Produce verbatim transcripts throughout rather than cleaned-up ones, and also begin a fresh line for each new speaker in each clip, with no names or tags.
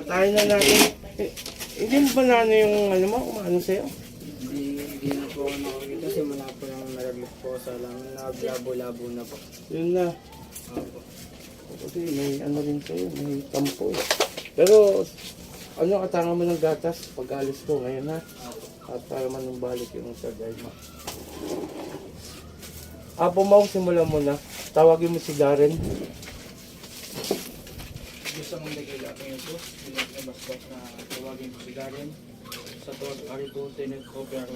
tayo na natin. Eh, hindi mo ba na ano yung ano mo, umano sa'yo?
Hindi, hindi na po ako nakakita kasi mula po yung nalaglag po sa lang, naglabo-labo na po.
Yun na.
Opo.
Kasi may ano rin sa'yo, may tampo eh. Pero, ano, katangan mo ng gatas pag alis ko ngayon ha? At para manumbalik yung sa mo. Apo mo, simulan mo na. Tawagin mo si Darren.
Gusto mong dagil ako yung ito, binabas-bas na tawagin ko si Darren sa Tor Arito Tenet Opera.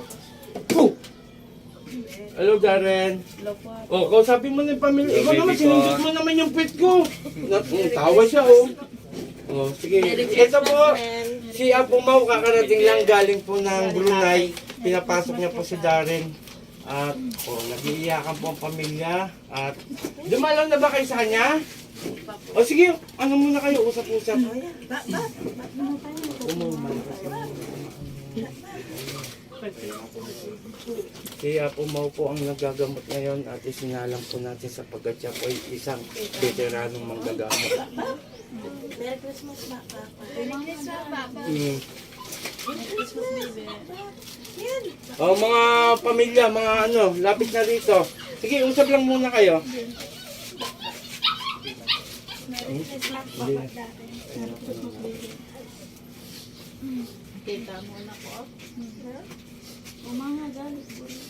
Hello, Darren. Oh, kausapin mo na yung pamilya. Ikaw naman, sinundot mo naman yung pet ko. Tawa siya, oh. Oh, sige. Ito po, si Apo Mau, kakarating lang galing po ng Brunei. Pinapasok niya po si Darren. At, oh, nag-iiyakan po ang pamilya. At, dumalaw na ba kayo sa kanya? O sige, ano muna kayo, usap-usap. Umuman kasi. Kaya po Mau po ang nagagamot ngayon at isinalang po natin sapagkat siya po ay isang veteranong manggagamot.
Merry Christmas, Papa. Merry Christmas, Papa.
Hmm.
Merry Christmas, baby. Yan.
O mga pamilya, mga ano, lapit na rito. Sige, usap lang muna kayo.
Merry Christmas, Papa. Merry Christmas, baby. Kita mo na ko. O mga galit.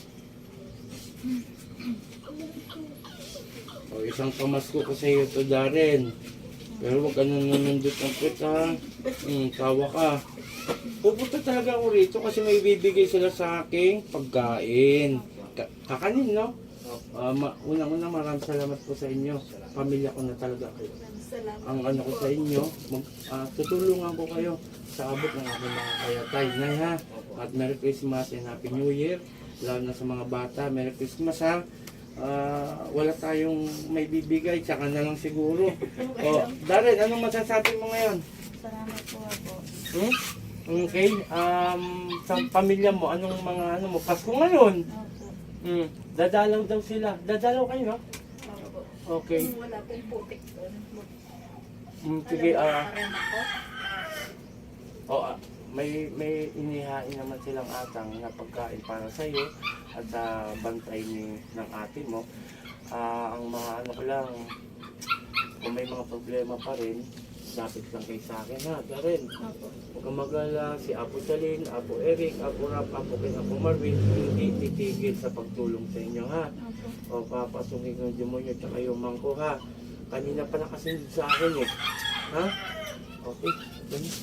O isang pamasko ko sa iyo to, Darren. Pero huwag ka nang nanundot ng pet ha. Hmm, tawa ka. Pupunta talaga ako rito kasi may bibigay sila sa aking pagkain. Ka kakanin, no? Uh, ma Unang-una, maraming salamat po sa inyo. Pamilya ko na talaga kayo. Ang ano ko sa inyo, mag, uh, tutulungan ko kayo sa abot ng aking mga kayatay. Nay ha, at Merry Christmas and Happy New Year. Lalo na sa mga bata, Merry Christmas ha. Uh, wala tayong may bibigay, tsaka na lang siguro. O, Darren, anong masasabi mo ngayon?
Salamat po ako.
Hmm? Okay, um, sa pamilya mo, anong mga ano mo, Pasko ngayon?
Opo.
Hmm. Dadalaw daw sila. Dadalaw kayo, no?
Opo.
Okay.
Wala pong putik doon.
Hmm, sige, ah.
Alam mo, ako.
Oh, ah, may may inihain naman silang atang na pagkain para sa iyo at sa bantay ni ng ate mo. Ah, ang mga ano ko lang, kung may mga problema pa rin, dapat lang kayo sa akin ha, Darren.
Opo.
Huwag kang mag-alala, si Apo Salin, Apo Eric, Apo Rap, Apo Ken, Apo Marvin, hindi titigil sa pagtulong sa inyo ha.
Opo.
O papasukin ng demonyo tsaka yung mangko ha. Kanina pa nakasindid sa akin eh. Ha? Okay. Ganun.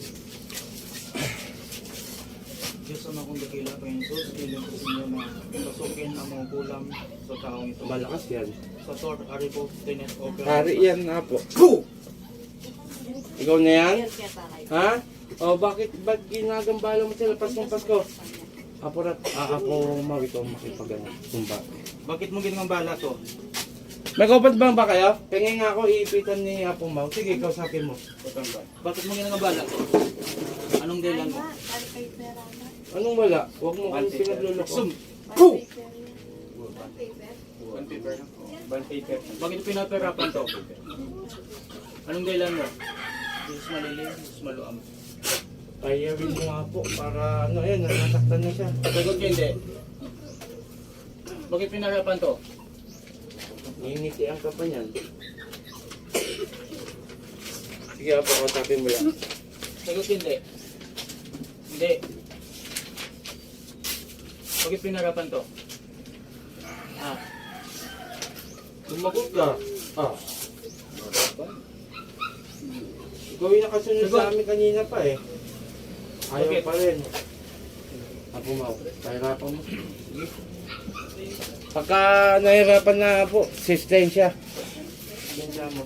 Diyos ang akong dakila ko yung ito, silin ko sa inyo na pasukin ang mga kulam sa taong ito.
Malakas yan.
Sa Tor Arito Tenet Opera.
Hari yan nga po. Go! Ikaw na yan?
Yan kaya tayo.
Ha? O bakit ba't ginagambala mo sila Paskong Pasko? Apo Rat, ah, Apo Mau, ikaw makipagano. Sumba.
Bakit mo ginang bala to?
May kapat bang ba kayo? Pingin nga ako iipitan ni Apo Mau. Sige, kausapin mo.
Bakit mo ginang bala to? Anong dahilan mo?
Ay, kay pera na.
Anong wala? Huwag mo kami pinagluloko.
Sum!
Go!
Bond paper. Bond paper. Bakit pinaperapan to? Anong dahilan mo? Jesus malilim, Jesus maluam.
Kaya rin mo nga po para ano yan, nasaktan na siya.
Sagot ko hindi. Bakit pinarapan to?
Ngingitian ka pa niyan. Sige, Apo, kausapin mo lang.
Sagot ko hindi. Hindi. Bakit pinarapan to? Ah.
Sumagot ka. Ah. Ikaw yung nakasunod
Sagot.
sa amin kanina pa eh. Ayaw
Bakit?
pa rin. Apo Mau, nahirapan mo. Sige. Pagka nahirapan na po, sistensya. Sistensya mo.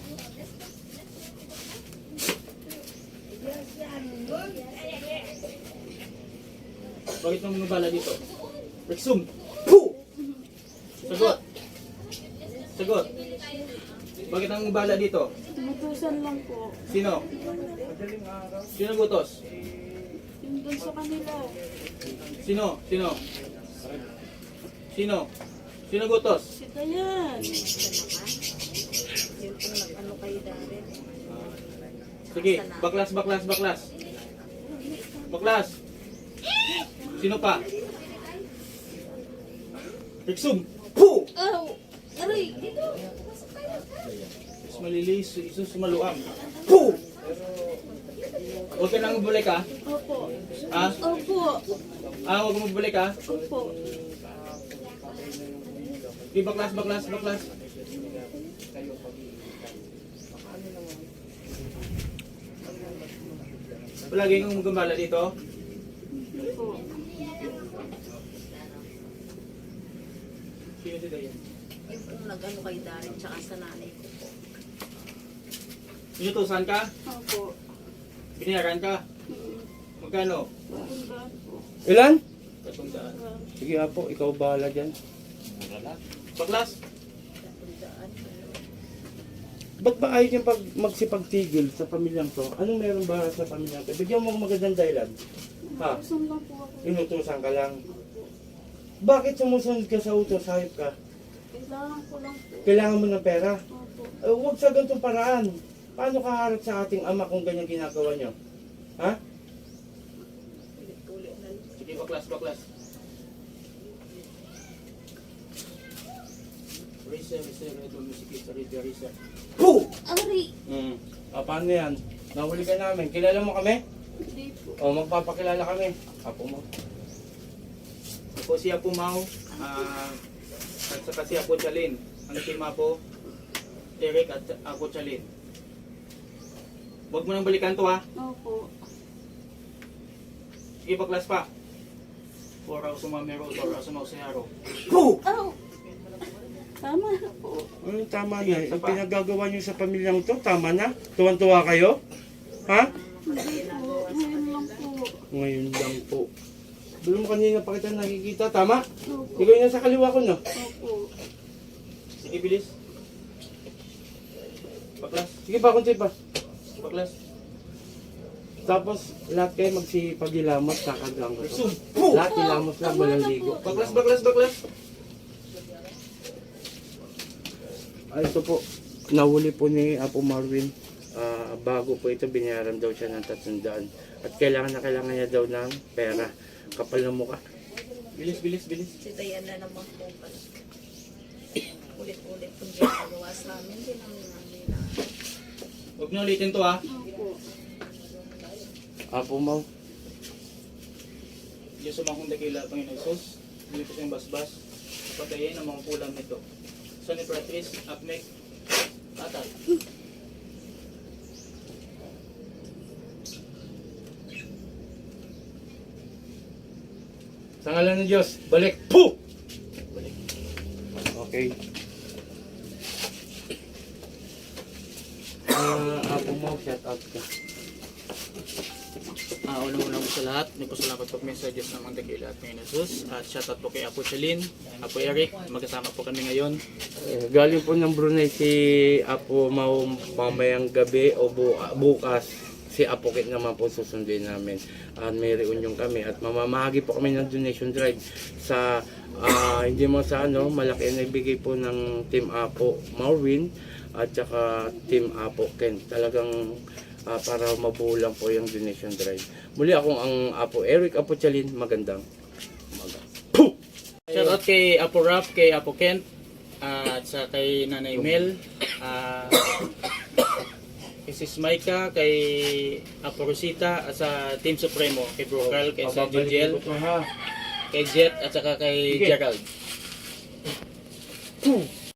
Bakit mo minubala dito? Rexum!
Puh!
Sagot! Sagot! Bakit ang bala dito?
Tinutusan lang po.
Sino? Sino gutos?
Yung dun sa kanila.
Sino? Sino? Sino? Sino gutos?
Si Dayan. Yung po nag-ano kayo dati.
Sige, baklas, baklas, baklas. Baklas. Sino pa? Riksum. Puh!
Oh! Aray! Dito!
Is malilis, isus maluam. Puh! Huwag ka nang mabalik ha?
Opo.
Ha?
Opo.
Ah, huwag mo mabalik ha?
Opo.
Sige, baklas, baklas, baklas. Palagi kang gumala dito.
Opo.
Sino si Dayan?
Yung kung nag-ano kay Darren tsaka sa nanay ko po.
Inutusan ka?
Opo.
Binayaran ka? Magkano?
Tandaan po.
Ilan?
Katundaan.
Sige Apo, ikaw bahala dyan.
Baklas?
Tandaan.
Ba't ba ayaw niyang pag magsipagtigil sa pamilyang to? Anong meron ba sa pamilyang to? Bigyan mo ng magandang dahilan. Ha?
Saan lang po ako?
Inutusan ka lang. Bakit sumusunod ka sa utos? Hayop ka.
Kailangan ko lang po.
Kailangan mo ng pera.
Opo.
Eh, huwag sa ganitong paraan. Paano ka harap sa ating ama kung ganyan ginagawa niyo? Ha?
Ulit-ulit na lang.
Sige, baklas, baklas. Racer, racer, ito, musikista, racer, racer.
Puh!
Aray!
Hmm. Ah, paano yan? Nahuli ka namin. Kilala mo kami?
Hindi po.
O, magpapakilala kami. Apo mo.
Ako si Apo Mau, ah, at saka si Apo Chalin. Ang team Apo, Eric at Apo Chalin. Huwag mo nang balikan to ha.
Opo.
Sige, baklas pa. Fora sumamero, fora sumausiharo.
Puh!
Ow! Tama na po.
Ano, tama na. Ang pinagagawa niyo sa pamilyang to, tama na? Tuwan-tuwa kayo? Ha?
Hindi po. Ngayon lang po.
Ngayon lang po. Belum kanina pa kita nakikita, tama?
Opo.
Ikaw yung nasa kaliwa ko, no?
Opo.
Sige, bilis. Baklas,
Sige pa, kunti pa.
baklas.
Tapos, lahat kayo magsipagilamos, kakagang ko.
Resume.
Lahat ilamos lang, walang ligo.
Baklas, baklas, baklas.
Ah, ito po, nahuli po ni Apo Marvin. Ah, bago po ito, binayaran daw siya ng tatlong daan. At kailangan na kailangan niya daw ng pera. Kapal ng mukha.
Bilis, bilis, bilis.
Si Dayan na naman po pala. Ulit-ulit po ginagawa sa amin. Hindi namin namin na.
Huwag niyo ulitin to ha.
Opo.
Apo Mau.
Diyos sumangkong dakila, Panginoon Isus. Bili ko siyang basbas. Patayin ang mga pulam nito. Son ni Patrice, Akmek, Atal.
Sa ngalan ng Diyos, balik. Puh!
Balik.
Okay. Ah, Apo Mau, shout out ka.
Ah, unang-unang po sa lahat, may pasalamat po kami sa Diyos ng mga dakila at Panginoon Isus. At shoutout po kay Apo Chalin, Apo Eric, magkasama po kami ngayon.
Eh, galing po ng Brunei si Apo Mau mamayang gabi o bu bukas. Si Apo Kit naman po susunduin namin. At may reunion kami at mamamahagi po kami ng donation drive sa ah, hindi mo sa ano, malaki na ibigay po ng Team Apo Marvin at saka Team Apo Ken. Talagang ah, para mabulang po yung donation drive. Muli akong ang Apo Eric Apo Chalin, magandang umaga. Puh!
Shoutout kay Apo Rap, kay Apo Kent, ah, at sa kay Nanay Mel, ah, kay Sis Maika, kay Apo Rosita, at sa Team Supremo, kay Bro Carl, kay sa Jujel,
Ha?
kay Jet, at saka kay
Sige.
Gerald.
Puh!